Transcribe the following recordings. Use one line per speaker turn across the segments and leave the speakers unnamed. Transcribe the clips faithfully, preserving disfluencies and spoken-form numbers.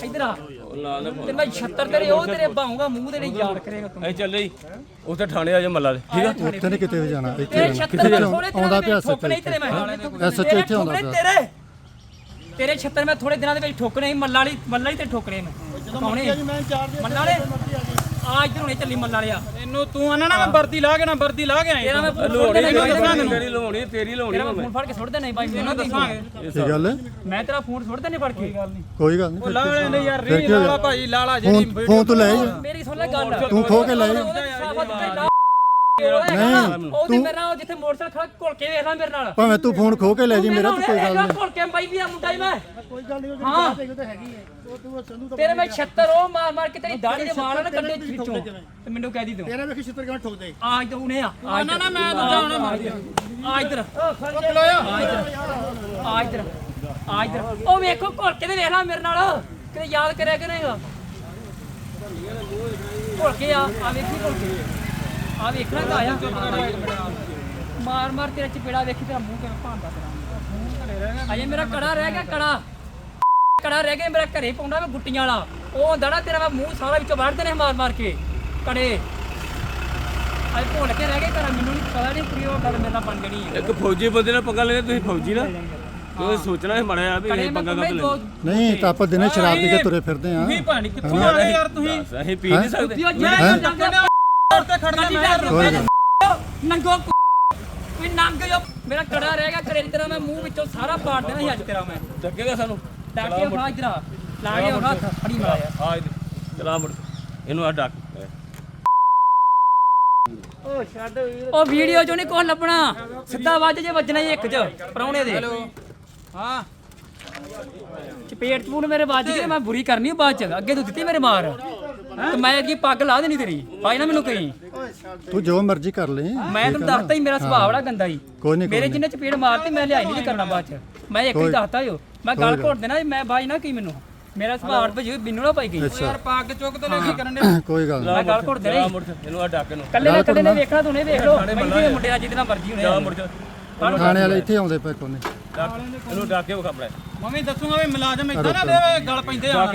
इधर आ तेरे मैं छत्तर तेरे ओ तेरे बाहूंगा मुंह तेरे याद करेगा तू
ए चल रही ਉੱਥੇ ਥਾਣੇ ਆ ਜਾ ਮੱਲਾ ਦੇ ਠੀਕ ਆ
ਉੱਥੇ ਨੇ ਕਿਤੇ ਵੀ ਜਾਣਾ ਇੱਥੇ
तेरे छत्तर में थोड़े
ਆਉਂਦਾ ਪਿਆ
ठोकने तेरे मैं
ਐਸਐਚਓ ਇੱਥੇ ਆਉਂਦਾ ਪਿਆ
तेरे तेरे छत्तर में थोड़े दिनों ਦੇ ਵਿੱਚ ਠੋਕਣੇ ਮੱਲਾ ਵਾਲੀ ਮੱਲਾ ਹੀ ਤੇ ਠੋਕਣੇ ਮੈਂ ਕੌਣੇ ਮੱਲਾ ਵਾਲੇ ਆ ਇਧਰ ਹੁਣੇ ਚੱਲੀ ਮੱਲਾ ਵਾਲਿਆ
ਇਹਨੂੰ ਤੂੰ ਆਣਾ ਨਾ ਮੈਂ ਵਰਦੀ ਲਾ ਕੇ ਨਾ ਵਰਦੀ ਲਾ ਕੇ ਆਇਆ
ਤੇਰਾ ਮੈਂ
ਲੋੜੀ ਤੇਰੀ ਲਵਾਉਣੀ ਤੇਰੀ ਲਵਾਉਣੀ
ਤੇਰਾ ਫੋਨ ਫੜ ਕੇ ਸੁੱਟ ਦੇਣਾ ਬਾਈ ਮੈਨੂੰ
ਦੱਸਾਂਗੇ
ਕੀ ਗੱਲ ਹੈ?
ਮੈਂ ਤੇਰਾ ਫੋਨ ਸੁੱਟ ਦੇਣੇ ਫੜ ਕੇ
ਕੋਈ ਗੱਲ ਨਹੀਂ
ਲਾ ਲੈਂਦੇ ਯਾਰ ਰੀ ਲਾਲਾ ਭਾਈ ਲਾਲਾ ਜਿਹੜੀ
ਫੋਨ ਫੋਨ ਤੋਂ ਲੈ ਜਾ
ਮੇਰੀ ਸੁਣ ਲੈ ਗੱਲ
ਤੂੰ ਖੋ ਕੇ ਲੈ ਜਾ
ਨਹੀਂ ਤੂੰ ਮੇਰੇ ਨਾਲ ਜਿੱਥੇ ਮੋਟਰਸਾਈਕਲ ਖੜਾ ਘੁਲ ਕੇ ਵੇਖ ਲੈ ਮੇਰੇ ਨਾਲ
ਭਾਵੇਂ ਤੂੰ ਫੋਨ ਖੋ ਕੇ ਲੈ ਜੀ ਮੇਰਾ ਤਾਂ ਕੋਈ ਗੱਲ ਨਹੀਂ
ਘੁਲ ਕੇ ਬਾਈ ਵੀ ਆ ਮੁੰਡਾ ਹੀ ਮੈਂ ਕੋਈ ਗੱਲ ਨਹੀਂ ਹਾਂ ਤੇਰੇ ਮੈਂ ਛੱਤਰ ਉਹ ਮਾਰ ਮਾਰ ਕੇ ਤੇਰੀ ਦਾੜੀ ਦੇ ਵਾਲਾਂ ਨਾ ਕੱਢੇ ਵਿੱਚੋਂ ਤੇ ਮੈਨੂੰ ਕਹਿ ਦੀ ਤੂੰ
ਤੇਰਾ ਵੇਖ ਛਿੱਤਰ ਕਿਵੇਂ ਠੋਕਦੇ
ਆ ਇਧਰ ਉਹਨੇ ਆ
ਨਾ ਨਾ ਮੈਂ ਤਾਂ ਜਾਣਾ ਮਾਰ ਗਿਆ
ਆ ਇਧਰ
ਖਲੋਇਆ
ਆ ਇਧਰ ਆ ਇਧਰ ਆ ਇਧਰ ਉਹ ਵੇਖੋ ਘੁਲ ਕੇ ਤੇ ਵੇਖ ਲੈ ਮੇਰੇ ਨਾਲ ਕਿਤੇ ਯਾਦ ਕਰਿਆ ਕਿ ਨਹੀਂਗਾ ਘੁਲ ਕੇ ਆ ਆ ਵੇਖੀ ਘੁਲ ਕੇ ਆ ਵੇਖਣਾ ਤਾਂ ਆਇਆ ਮਾਰ ਮਾਰ ਤੇਰਾ ਚਪੇੜਾ ਵੇਖੀ ਤੇਰਾ ਮੂੰਹ ਕਿਵੇਂ ਭਾਂਦਾ ਤੇਰਾ ਅਜੇ ਮੇਰਾ ਕੜਾ ਰਹਿ ਗਿਆ ਕੜਾ ਕੜਾ ਰਹਿ ਗਿਆ ਮੇਰਾ ਘਰੇ ਪਾਉਂਦਾ ਮੈਂ ਗੁੱਟੀਆਂ ਵਾਲਾ ਉਹ ਹੁੰਦਾ ਨਾ ਤੇਰਾ ਮੈਂ ਮੂੰਹ ਸਾਰਾ ਵਿੱਚੋਂ ਵੜਦੇ ਨੇ ਮਾਰ ਮਾਰ ਕੇ ਕੜੇ ਅਜੇ ਭੁੱਲ ਕੇ ਰਹਿ ਗਏ ਘਰ ਮੈਨੂੰ ਨਹੀਂ ਪਤਾ ਨਹੀਂ ਕਿ ਉਹ ਗੱਲ ਮੇਰੇ ਨਾਲ ਬਣ ਜਣੀ ਹੈ
ਇੱਕ ਫੌਜੀ ਬੰਦੇ ਨਾਲ ਪੰਗਾ ਲੈਣਾ ਤੁਸੀਂ ਫੌਜੀ ਨਾ ਤੁਸੀਂ ਸੋਚਣਾ ਸੀ ਮੜਿਆ ਵੀ ਇਹ ਪੰਗਾ ਕਰ ਲੈ
ਨਹੀਂ ਤਾਂ ਆਪਾਂ ਦਿਨੇ ਸ਼ਰਾਬ ਪੀ ਕੇ ਤੁਰੇ ਫਿਰਦੇ ਆ
ਵੀ ਭਾਣੀ ਕਿੱਥੋਂ ਆ ਗਏ ਯਾਰ ਤੁਸੀਂ
ਅਸੀਂ ਪੀ ਨਹੀਂ ਸਕਦੇ
ਤੇ ਖੜਨਾ ਮੈਂ
ਨੰਗੋ ਵੀ ਨੰਗ ਜੋ ਮੇਰਾ ਕੜਾ ਰਹਿ ਗਿਆ ਘਰੇ ਤੇਰਾ ਮੈਂ ਮੂੰਹ ਵਿੱਚੋਂ ਸਾਰਾ ਪਾੜ ਦੇਣਾ ਸੀ ਅੱਜ ਤੇਰਾ ਮੈਂ
ਡੱਕੇਗਾ ਸਾਨੂੰ
ਡਾਕੇ ਉਠਾ ਇਧਰ ਆ ਲਾ ਕੇ ਉਠਾ ਹੱਥ ਫੜੀ ਮਾਰਿਆ
ਆ ਚਲਾ ਮੁੜ ਇਹਨੂੰ ਆ ਡੱਕ
ਉਹ ਛੱਡ ਉਹ ਵੀਡੀਓ ਚੋਂ ਨਹੀਂ ਕੁਝ ਲੱਭਣਾ ਸਿੱਧਾ ਵੱਜ ਜੇ ਵੱਜਣਾ ਹੀ ਇੱਕ ਚ ਪਰੌਣੇ ਦੇ
ਹਾਂ
ਚਪੇਟ ਪੂਣ ਮੇਰੇ ਵੱਜ ਗਏ ਮੈਂ ਬੁਰੀ ਕਰਨੀ ਬਾਅਦ ਚ ਅੱਗੇ ਤੂੰ ਦਿੱਤੀ ਮੇਰੇ ਮਾਰ ਤੇ ਮੈਂ ਅੱਗੇ ਪੱਗ ਲਾ ਦੇਣੀ ਤੇਰੀ ਪਾਈ ਨਾ ਮੈਨੂੰ ਕਹੀਂ
ਤੂੰ ਜੋ ਮਰਜ਼ੀ ਕਰ ਲੈ
ਮੈਂ ਤੈਨੂੰ ਦੱਸਤਾ ਹੀ ਮੇਰਾ ਸੁਭਾਅ ਬੜਾ ਗੰਦਾ ਹੀ
ਕੋਈ ਨਹੀਂ
ਮੇਰੇ ਜਿੰਨੇ ਚਪੇੜ ਮਾਰਤੀ ਮੈਂ ਲਿਆਈ ਨਹੀਂ ਕਰਨਾ ਬਾਅਦ ਚ ਮੈਂ ਇੱਕ ਹੀ ਦੱਸਤਾ ਜੋ ਮੈਂ ਗੱਲ ਘੋਟ ਦੇਣਾ ਮੈਂ ਬਾਈ ਨਾ ਕੀ ਮੈਨੂੰ ਮੇਰਾ ਸੁਭਾਅ ਅੜ ਭਜੀ ਬਿੰਨੂ ਨਾ ਪਾਈ ਗਈ
ਯਾਰ ਪੱਗ ਚੁੱਕ ਤੇ ਕੀ ਕਰਨ ਦੇ
ਕੋਈ ਗੱਲ
ਮੈਂ ਗੱਲ ਘੋਟ ਦੇਣਾ
ਮੁੜ ਇਹਨੂੰ ਆ ਡੱਕ ਇਹਨੂੰ
ਕੱਲੇ ਨਾ ਕੱਲੇ ਨੇ ਵੇਖਣਾ ਤੂੰ ਨੇ ਵੇਖ ਲੋ ਮੈਂ ਮੁੰਡੇ ਨਾਲ ਜਿੱਦਣਾ ਮਰਜੀ ਹੋਣੇ
ਜਾ ਮੁੜ ਜਾ
ਥਾਣੇ ਵਾਲੇ ਇੱਥੇ ਆਉਂਦੇ ਪਏ ਕੋਨੇ
ਇਹਨੂੰ ਡੱਕ ਕੇ ਵਿਖਾ ਬੜਾ
ਮੰਮੀ ਦੱਸੂਗਾ ਵੀ ਮੁਲਾਜ਼ਮ ਇਦਾਂ ਨਾ ਦੇ ਗਲ ਪੈਂਦੇ ਆ
ਮੈਂ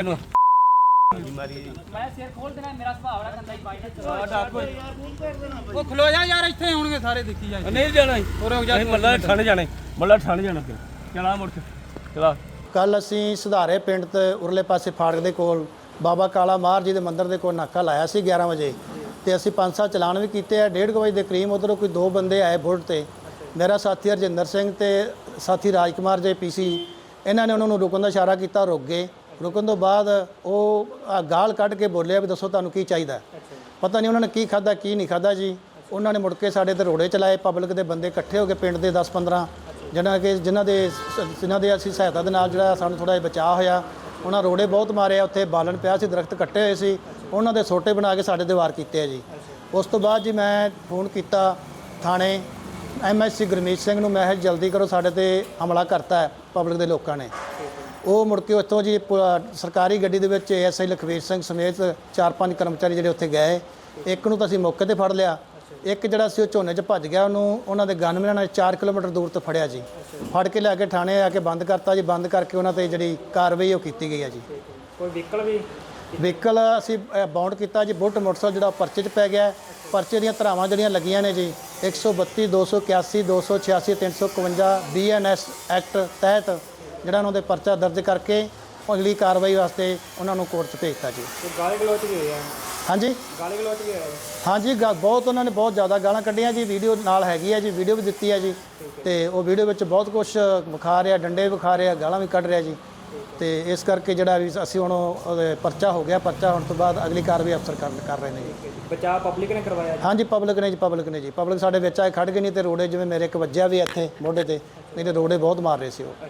ਸਿਰ ਖੋਲ ਦੇਣਾ ਮੇਰਾ ਸੁਭਾਅ ਬੜਾ ਗੰਦਾ ਹੀ ਬਾਈ ਨੇ
ਉਹ ਖਲੋ ਜਾ ਯਾਰ ਇੱਥੇ ਆਉਣਗੇ ਸਾਰੇ ਦੇਖੀ ਜਾ
ਨਹੀਂ ਜਾਣਾ
ਹੋਰ ਹੋ ਜਾ
ਅਸੀਂ ਮੱਲਾ ਠੰਡ ਜਾਣਾ ਮੱਲਾ ਠੰਡ ਜਾਣਾ ਫਿਰ ਚਲਾ ਮੁੜ ਚਲਾ
ਕੱਲ ਅਸੀਂ ਸੁਧਾਰੇ ਪਿੰਡ ਤੇ ਉਰਲੇ ਪਾਸੇ ਫਾੜਕ ਦੇ ਕੋਲ ਬਾਬਾ ਕਾਲਾ ਮਾਰ ਜੀ ਦੇ ਮੰਦਿਰ ਦੇ ਕੋਲ ਨਾਕਾ ਲਾਇਆ ਸੀ ਗਿਆਰਾਂ ਵਜੇ ਤੇ ਅਸੀਂ ਪੰਜ ਸੱਤ ਚਲਾਨ ਵੀ ਕੀਤੇ ਆ ਡੇਢ ਵਜੇ ਦੇ ਕਰੀਬ ਉਧਰੋਂ ਕੋਈ ਦੋ ਬੰਦੇ ਆਏ ਬੁਲਟ ਤੇ ਮੇਰਾ ਸਾਥੀ ਹਰਜਿੰਦਰ ਸਿੰਘ ਤੇ ਸਾਥੀ ਰਾਜਕੁਮਾਰ ਜੇ ਪੀਸੀ ਇਹਨਾਂ ਨੇ ਉਹਨਾਂ ਨੂੰ ਰੁਕਣ ਦਾ ਇਸ਼ਾਰਾ ਕੀਤਾ ਰੁਕ ਗਏ ਰੁਕਣ ਤੋਂ ਬਾਅਦ ਉਹ ਗਾਲ ਕੱਢ ਕੇ ਬੋਲਿਆ ਵੀ ਦੱਸੋ ਤੁਹਾਨੂੰ ਕੀ ਚਾਹੀਦਾ ਪਤਾ ਨਹੀਂ ਉਹਨਾਂ ਨੇ ਕੀ ਖਾਦਾ ਕੀ ਨਹੀਂ ਖਾਦਾ ਜੀ ਉਹਨਾਂ ਨੇ ਮੁੜ ਕੇ ਸਾਡੇ ਤੇ ਰੋੜੇ ਚਲਾਏ ਪਬਲਿਕ ਦੇ ਬੰਦੇ ਇਕੱਠੇ ਹੋ ਕੇ ਪਿੰਡ ਦੇ ਦਸ ਪੰਦਰਾਂ ਜਿਹਨਾਂ ਕਿ ਜਿਨ੍ਹਾਂ ਦੇ ਜਿਨ੍ਹਾਂ ਦੇ ਅਸੀਂ ਸਹਾਇਤਾ ਦੇ ਨਾਲ ਜਿਹੜਾ ਸਾਨੂੰ ਥੋੜਾ ਜਿਹਾ ਬਚਾਅ ਹੋਇਆ ਉਹਨਾਂ ਰੋੜੇ ਬਹੁਤ ਮਾਰੇ ਆ ਉੱਥੇ ਬਾਲਣ ਪਿਆ ਸੀ ਦਰਖਤ ਕੱਟੇ ਹੋਏ ਸੀ ਉਹਨਾਂ ਦੇ ਸੋਟੇ ਬਣਾ ਕੇ ਸਾਡੇ ਤੇ ਵਾਰ ਕੀਤੇ ਆ ਜੀ ਉਸ ਤੋਂ ਬਾਅਦ ਜੀ ਮੈਂ ਫੋਨ ਕੀਤਾ ਥਾਣੇ M S C Gurmeet Singh ਨੂੰ ਮੈਂ ਕਿਹਾ ਜਲਦੀ ਕਰੋ ਸਾਡੇ ਤੇ ਹਮਲਾ ਕਰਤਾ ਹੈ ਪਬਲਿਕ ਦੇ ਲੋਕਾਂ ਨੇ ਉਹ ਮੁੜ ਕੇ ਉੱਥੋਂ ਜੀ ਸਰਕਾਰੀ ਗੱਡੀ ਦੇ ਵਿੱਚ ਐਸ ਆਈ ਲਖਵੀਰ ਸਿੰਘ ਸਮੇਤ ਚਾਰ ਪੰਜ ਕਰਮਚਾਰੀ ਜਿਹੜੇ ਉੱਥੇ ਗਏ ਇੱਕ ਨੂੰ ਤਾਂ ਅਸੀਂ ਮੌਕੇ ਤੇ ਫੜ ਲਿਆ ਇੱਕ ਜਿਹੜਾ ਸੀ ਉਹ ਝੋਨੇ 'ਚ ਭੱਜ ਗਿਆ ਉਹਨੂੰ ਉਹਨਾਂ ਦੇ ਗਨਮੈਨਾਂ ਨੇ ਚਾਰ ਕਿਲੋਮੀਟਰ ਦੂਰ ਤੋਂ ਫੜਿਆ ਜੀ ਫੜ ਕੇ ਲਿਆ ਕੇ ਥਾਣੇ ਆ ਕੇ ਬੰਦ ਕਰਤਾ ਜੀ ਬੰਦ ਕਰਕੇ ਉਹਨਾਂ ਤੇ ਜਿਹੜੀ ਕਾਰਵਾਈ ਉਹ ਕੀਤੀ ਗਈ ਹੈ ਜੀ
ਕੋਈ ਵਹੀਕਲ ਵੀ
ਵਹੀਕਲ ਅਸੀਂ ਬਾਉਂਡ ਕੀਤਾ ਜੀ ਬੁੱਟ ਮੋਟਰਸਾਈਕਲ ਜਿਹੜਾ ਪਰਚੇ 'ਚ ਪੈ ਗਿਆ ਪਰਚੇ ਦੀਆਂ ਧਾਰਾਵਾਂ ਜਿਹੜੀਆਂ ਲੱਗੀਆਂ ਨੇ ਜੀ ਇੱਕ ਸੌ ਬੱਤੀ ਦੋ ਸੌ ਇਕਿਆਸੀ ਦੋ ਸੌ ਛਿਆਸੀ ਤਿੰਨ ਸੌ ਇਕਵੰਜਾ ਬੀ ਐਨ ਐਸ ਐਕਟ ਤਹਿਤ ਜਿਹੜਾ ਉਹਨਾਂ ਦੇ ਪਰਚਾ ਦਰਜ ਕਰਕੇ ਅਗਲੀ ਕਾਰਵਾਈ ਵਾਸਤੇ ਉਹਨਾਂ ਨੂੰ ਕੋਰਟ 'ਚ ਭੇਜਤਾ ਜੀ
ਗਾਲੀ ਗਲੋਚ ਵੀ ਹੋਇਆ
ਹਾਂਜੀ
ਗਾਲੀ ਗਲੋਚ ਵੀ ਹੋਇਆ
ਹਾਂਜੀ ਗਾ ਬਹੁਤ ਉਹਨਾਂ ਨੇ ਬਹੁਤ ਜ਼ਿਆਦਾ ਗਾਲਾਂ ਕੱਢੀਆਂ ਜੀ ਵੀਡੀਓ ਨਾਲ ਹੈਗੀ ਹੈ ਜੀ ਵੀਡੀਓ ਵੀ ਦਿੱਤੀ ਹੈ ਜੀ ਤੇ ਉਹ ਵੀਡੀਓ ਵਿੱਚ ਬਹੁਤ ਕੁਝ ਵਿਖਾ ਰਿਹਾ ਡੰਡੇ ਵੀ ਵਿਖਾ ਰਿਹਾ ਗਾਲਾਂ ਵੀ ਕੱਢ ਰਿਹਾ ਜੀ ਤੇ ਇਸ ਕਰਕੇ ਜਿਹੜਾ ਵੀ ਅਸੀਂ ਹੁਣ ਉਹਦੇ ਪਰਚਾ ਹੋ ਗਿਆ ਪਰਚਾ ਹੋਣ ਤੋਂ ਬਾਅਦ ਅਗਲੀ ਕਾਰਵਾਈ ਅਫਸਰ ਕਰ ਕਰ ਰਹੇ ਨੇ ਜੀ
ਬਚਾਅ ਪਬਲਿਕ ਨੇ ਕਰਵਾਇਆ
ਹਾਂਜੀ ਪਬਲਿਕ ਨੇ ਜੀ ਪਬਲਿਕ ਨੇ ਜੀ ਪਬਲਿਕ ਸਾਡੇ ਵਿੱਚ ਆਏ ਖੜ ਗਏ ਨਹੀਂ ਤੇ ਰੋੜੇ ਜਿਵੇਂ ਮੇਰੇ ਇੱਕ ਵੱਜਿਆ ਵੀ ਇੱਥੇ ਮੋਢੇ ਤੇ ਨਹੀਂ ਤੇ ਰੋੜੇ ਬਹੁਤ ਮਾਰ ਰਹੇ ਸੀ ਉਹ